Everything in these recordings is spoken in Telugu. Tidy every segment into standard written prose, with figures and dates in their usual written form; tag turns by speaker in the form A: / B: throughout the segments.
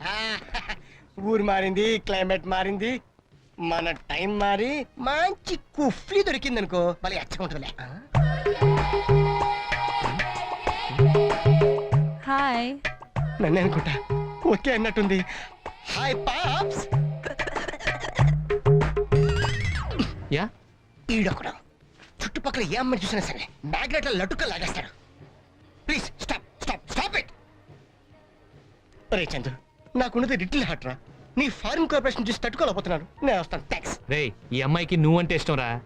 A: ఊరు మారింది, క్లైమేట్ మారింది, మన టైం మారి మంచి కుఫ్లీ దొరికింది అనుకో మళ్ళీ అచ్చగా ఉంటుందిలే.
B: హాయ్.
A: నన్నే అనుకుంటా. ఓకే అన్నట్టుంది. Hi pops.
C: యా
A: ఈడొకడు చుట్టుపక్కల ఏ అమ్మని చూసినా సరే మ్యాగ్నెట్ లటుక్క లాగేస్తాడు. Please stop stop stop it. రే చందు, నాకున్నది లిటిల్ హార్ట్ రా. నీ ఫారిన్ కార్పొరేషన్ చూసి తట్టుకోలేకపోతున్నాను. నేను వస్తాను. థ్యాంక్స్.
C: రే, ఈ అమ్మాయికి నువ్వంటే ఇష్టం రా.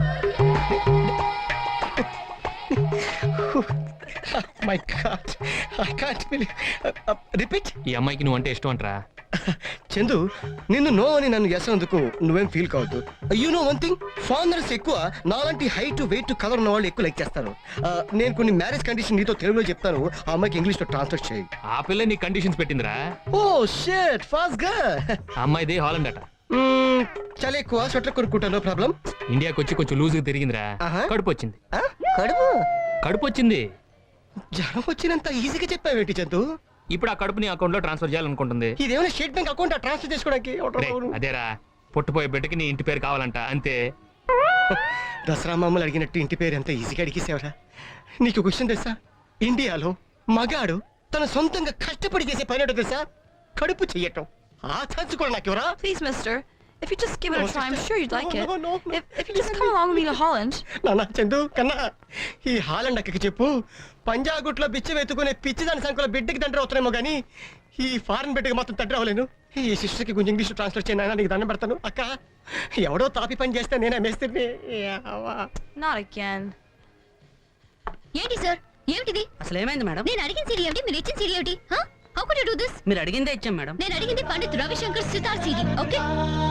A: My god, I can't believe. Repeat.
C: ఈ అమ్మాయికి నువ్వంటే ఇష్టం అంటరా.
A: చందు, నిన్ను నో అని నన్ను ఎసందుకు నువ్వేం ఫీల్ కావద్దు. You know one thing, foreigners ఎక్కువ నాలాంటి హైట్ వెయిట్ కలర్ ఉన్న వాళ్ళు ఎక్కువ లైక్ చేస్తారు. నేను కొన్ని మ్యారేజ్ కండిషన్ నీతో తెలుగులో చెప్తాను, ఆ అమ్మాయికి ఇంగ్లీష్ లో ట్రాన్స్లేట్ చేయి.
C: ఆ పిల్ల నీ కండిషన్స్ పెట్టిందిరా.
A: ఓ షిట్, ఫాస్ట్ గా.
C: ఆ అమ్మాయిది హాలండ్ అట.
A: చాలా ఎక్కువ స్వెటర్ కొనుక్కుంటా, నో ప్రాబ్లం.
C: ఇండియాకి వచ్చి కొంచెం లూజ్ గా తిరిగిందిరా. కడుపు వచ్చింది.
A: కడుపు
C: వచ్చింది.
A: జ్వరం వచ్చినంత ఈజీగా చెప్పావేంటి చందు?
C: ఇప్పుడు ఆ కడుపుని అకౌంట్ లో ట్రాన్స్ఫర్ చేయాలనుకుంటుంది.
A: ఇదేమైనా స్టేట్ బ్యాంక్ అకౌంట్ ట్రాన్స్ఫర్ చేసుకోవడానికి?
C: అదేరా, పుట్టపోయే బిడ్డకి నీ ఇంటి పేరు కావాలంట, అంతే.
A: దసరా మామూలు అడిగినట్టు ఇంటి పేరు ఎంత ఈజీగా అడిగేసేవరా. నీకు క్వశ్చన్ తెలుసా? ఇండియాలో మగాడు తన సొంతంగా కష్టపడి చేసే పని తెలుసా? కడుపు చెయ్యటం. ఆ ఛాన్స్ కూడా నాకు ఎవరా?
B: Please, mister. If you just give it a try, I'm sure you'd like it. If you just come along with me to Holland.
A: నాన్న చందు కన్నా, ఈ హాలండ్ అక్కకి చెప్పు, పంజాగుట్లో బిచ్చ వెతుకునే పిచ్చి దాని సంఖ్యలో బిడ్డకి తండ్రి అవుతున్నామో గానీ ఈ ఫారెన్ బిడ్డకి మాత్రం తండ్రి అవ్వలేను. ఈ సిస్టర్కి కొంచెం ఇంగ్లీష్ ట్రాన్స్లేట్ చేయను, నీకు దండం పెడతాను. అక్క, ఎవడో తాపి పని చేస్తే నేనే మేస్తుంది.
B: Not again.
D: ఏంటి సార్, ఏమిటిది?
E: అసలు ఏమైంది మేడం?
D: నేను అడిగిన సీడీ ఏమిటి, మీరు ఇచ్చిన సీడీ ఏమిటి? How could you do this?
E: మీరు అడిగిందే ఇచ్చాం మేడం.
D: నేను అడిగింది Pandit Ravishankar sitar CD. Okay,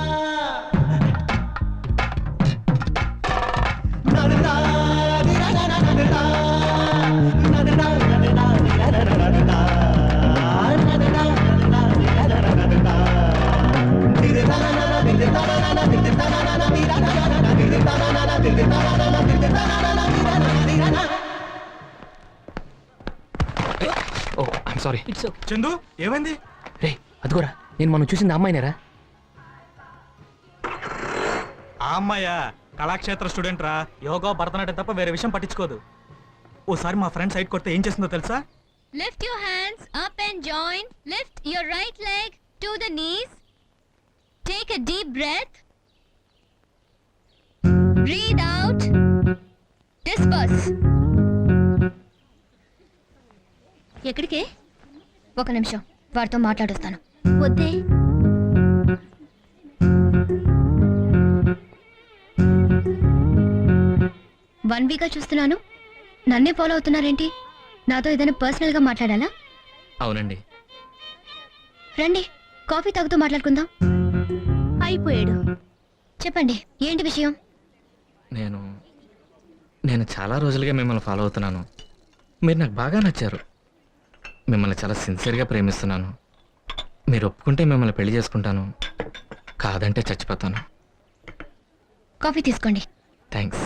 C: oh I'm sorry.
F: Chandu, ఏమైంది?
C: రే, అదిగోరా, నేను మనం చూసింది అమ్మాయినేరా.
F: ఆ అమ్మాయా? కళాక్షేత్ర స్టూడెంట్ రా. యోగా, భరతనాట్యం తప్ప వేరే విషయం పట్టించుకోదు. ఓసారి మా ఫ్రెండ్ సైడ్ కొడితే ఏం చేస్తుందో తెలుసా?
D: Lift your hands up and join. Lift your right leg to the knees. Take a deep breath. Breathe out. Disperse. ఎక్కడికే? ఒక నిమిషం, వారితో మాట్లాడొస్తాను. వద్దే. వన్ వీక్ గా చూస్తున్నాను, నన్నే ఫాలో అవుతున్నారేంటి? నాతో ఏదైనా పర్సనల్ గా మాట్లాడాలా?
C: అవునండి.
D: రండి, కాఫీ తాగుతూ మాట్లాడుకుందాం. అయిపోయాడు. చెప్పండి, ఏంటి విషయం?
C: నేను చాలా రోజులుగా మిమ్మల్ని ఫాలో అవుతున్నాను. మీరు నాకు బాగా నచ్చారు. మిమ్మల్ని చాలా సిన్సియర్గా ప్రేమిస్తున్నాను. మీరు ఒప్పుకుంటే మిమ్మల్ని పెళ్లి చేసుకుంటాను, కాదంటే చచ్చిపోతాను.
D: కాఫీ తీసుకోండి.
C: థ్యాంక్స్.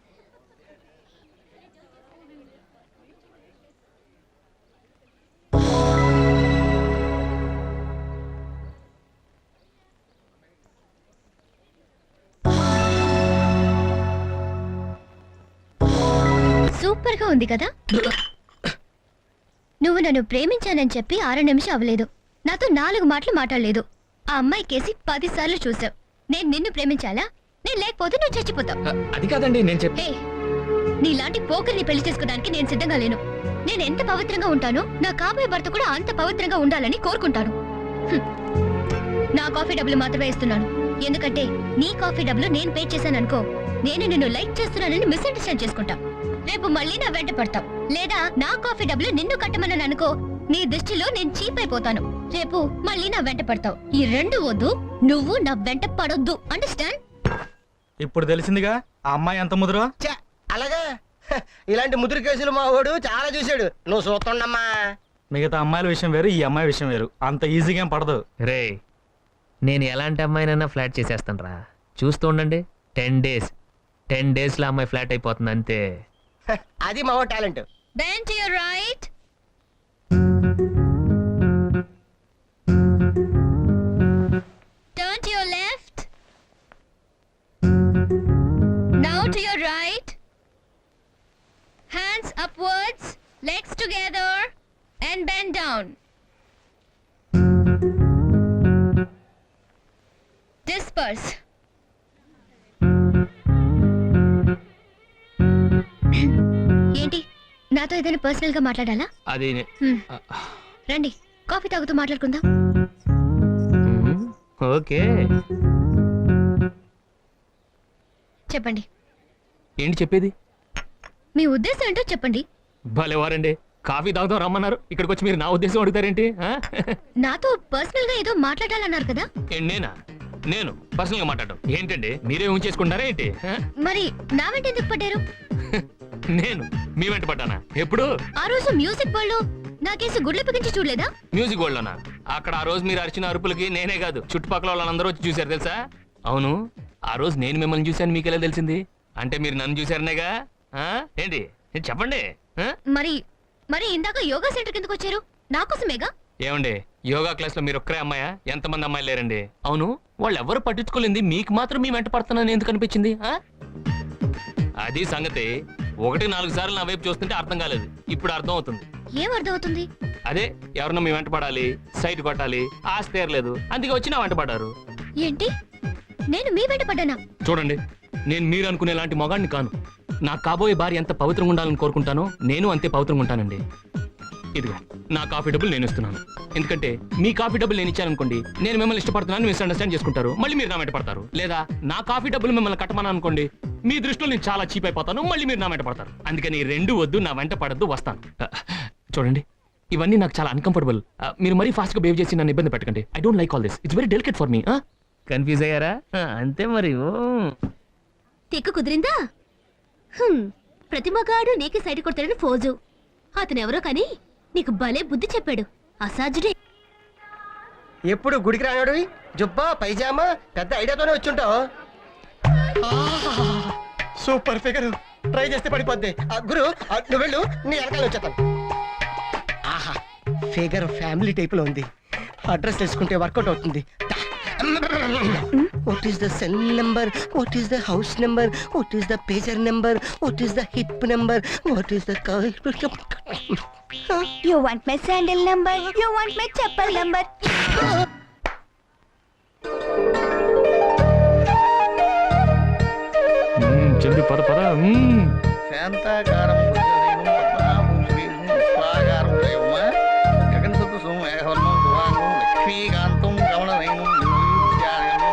D: సూపర్ గా ఉంది కదా? నువ్వు నన్ను ప్రేమించానని చెప్పి 6 నిమిషం అవ్వలేదు, నాతో 4 మాటలు మాట్లాడలేదు. ఆ అమ్మాయి కేసి 10 సార్లు చూసావు. నేను నిన్ను ప్రేమించాలా? నేను లేకపోతే నువ్వు చచ్చిపోతావు.
C: అది కాదండి నేను చెప్పే.
D: నీలాంటి పోకరిని పెళ్లి చేసుకోవడానికి నేను సిద్ధంగా లేను. నేను ఎంత పవిత్రంగా ఉంటానో నా కాబోయే భర్త కూడా అంత పవిత్రంగా ఉండాలని కోరుకుంటాను. నా కాఫీ డబ్బులు మాత్రమే ఇస్తున్నాను, ఎందుకంటే నీ కాఫీ డబ్బులు నేను పే చేశాను అనుకో, నేను నిన్ను లైక్ చేస్తున్నానని మిస్అండర్స్టాండ్ చేసుకుంటా. రేపు మళ్ళీ నా వెంట పడతావు, లేదా నా కాఫీ డబ్బులు నిన్ను కట్టమని అనుకో, నీ దృష్టిలో నేను చీప్ అయిపోతాను. రేపు మళ్ళీ నా వెంట పడతావు. ఈ రెండు వద్దు, నువ్వు నా వెంట పడొద్దు. అండర్స్టాండ్?
F: ఇప్పుడు తెలిసిందిగా ఆ అమ్మాయి ఎంత ముదురో.
A: అలాగా, ఇలాంటి ముదురు కేసులు మా వాడు చాలా చూశాడు. నువ్వు చూస్తుండమ్మా.
F: మిగతా అమ్మాయిల విషయం వేరు, ఈ అమ్మాయి విషయం వేరు. అంత ఈజీగా ఏం పడదు.
C: రే, నేను ఎలాంటి అమ్మాయినైనా ఫ్లాట్ చేసేస్తాను రా. చూస్తూ ఉండండి, 10 డేస్లో అమ్మాయి ఫ్లాట్ అయిపోతుంది అంతే.
A: అది మా talent.
D: Bend to your right. Legs together and bend down. Disperse. ఏంటి నాతో ఏదైనా పర్సనల్ గా మాట్లాడాలా?
C: అది
D: రండి కాఫీ తాగుతూ మాట్లాడుకుందాం.
C: ఓకే.
D: చెప్పండి,
C: ఏంటి చెప్పేది?
D: మీ ఉద్దేశం ఏంటో చెప్పండి.
C: భలేవారండి, కాఫీ తాగుతాం రమ్మన్నారు, ఇక్కడికి వచ్చి మీరు నా ఉద్దేశం అడుగుతారేంటి?
D: నాతో పర్సనల్ గా ఏదో మాట్లాడాలన్నారు కదా.
C: నేను పర్సనల్ గా మాట్లాడడం ఏంటండి? మీరే ఉంచేసుకుంటారా ఏంటి?
D: మరి నా వెంట ఎందుకు పడ్డారు?
C: నేను మీ వెంట పడ్డానా? ఎప్పుడు?
D: ఆ రోజు మ్యూజిక్ వరల్డ్ లో నాకేసి గుడ్లు పిగించి చూడలేదా?
C: మ్యూజిక్ వరల్డ్ లోనా? అక్కడ ఆ రోజు మీరు అరిచిన అరుపులకి నేనే కాదు చుట్టుపక్కల వాళ్ళందరూ వచ్చి చూశారు తెలుసా? అవును, ఆ రోజు నేను మిమ్మల్ని చూశాను, మీకెలా తెలిసింది? అంటే మీరు నన్ను చూశారనేగా? ఏంటి చెప్పండి.
D: మరి మరి ఇందాక యోగా సెంటర్ కిందకు వచ్చారు నా కోసమేగా?
C: ఏమండి, యోగా క్లాస్ లో మీరు ఒక్కరే అమ్మాయా? ఎంతమంది అమ్మాయిలు లేరండి? అవును, వాళ్ళు ఎవరు పట్టించుకోలేంది మీకు మాత్రం మీ వెంట పడుతున్నాను ఎందుకు అనిపించింది? అది సంగతి. 1-4 సార్లు నా వైపు చూస్తుంటే అర్థం కాలేదు, ఇప్పుడు అర్థం అవుతుంది.
D: ఏం అర్థం అవుతుంది?
C: అదే, ఎవరన్నా మీ వెంట పడాలి, సైట్ కొట్టాలి, ఆశ తీరలేదు, అందుకే వచ్చి నా వెంట పడ్డారు.
D: ఏంటి, నేను మీ వెంట పడ్డానా?
C: చూడండి, నేను మీరు అనుకునే లాంటి మొగాడిని కాను. నా కాబోయే భార్య ఎంత పవిత్రంగా ఉండాలని కోరుకుంటానో నేను అంతే పవిత్రంగా ఉంటానండి. ఇదిగో నా కాఫీ డబ్బులు నేను ఇస్తున్నాను. ఎందుకంటే మీ కాఫీ డబ్బులు నేను ఇచ్చాననుకోండి, నేను మిమ్మల్ని ఇష్టపడుతున్నాను మిస్అండర్స్టాండ్ చేసుకుంటారు, మళ్ళీ మీరు నా వెంట పడతారు. లేదా నా కాఫీ డబ్బులు మిమ్మల్ని కట్టమని అనుకోండి, మీ దృష్టిలో నేను చాలా చీప్ అయిపోతాను, మళ్ళీ మీరు నా వెంట పడతారు. అందుకని ఈ రెండు వద్దు, నా వెంట పడద్దు, వస్తాను. చూడండి, ఇవన్నీ నాకు చాలా అన్కంఫర్టబుల్. మీరు మరీ ఫాస్ట్ గా బిహేవ్ చేసి నన్ను ఇబ్బంది పెట్టకండి. I don't like all this. It's very delicate for me. Confuse అయ్యారా? అంతే మరి.
D: తెక్కు కుదిరిందా? ప్రతి మగాడు నీకే సైడ్ కొడతాడని ఫోజు. అతనెవరో కానీ నీకు భలే బుద్ధి చెప్పాడు. అసాధ్యుడే.
A: ఎప్పుడు గుడికి రానాడు జుబ్బా పైజామా పెద్ద ఐడియాతోనే వచ్చుంటావు. సూపర్ ఫిగర్, ట్రై చేస్తే పడిపోద్ది. గురు నువ్వు వెళ్ళు, నీ వెనకాల వచ్చేస్తాను. ఆహా, ఫిగర్ ఫ్యామిలీ టైప్ లో ఉంది. అడ్రస్ తెలుసుకుంటే వర్కౌట్ అవుతుంది. What is the cell number? What is the house number? What is the pager number? What is the hip number? What is the
D: You want my sandal number? You want my chappal number?
C: చెంది పద పద.
E: శాంతాకారం పద్మనాభం శ్రీం స్వాగారం దైవమ గగన సదృశం ఏకవర్ణం దువాంగం లక్ష్మీకాంతం కమలనయనం నిర్విద్యానయం.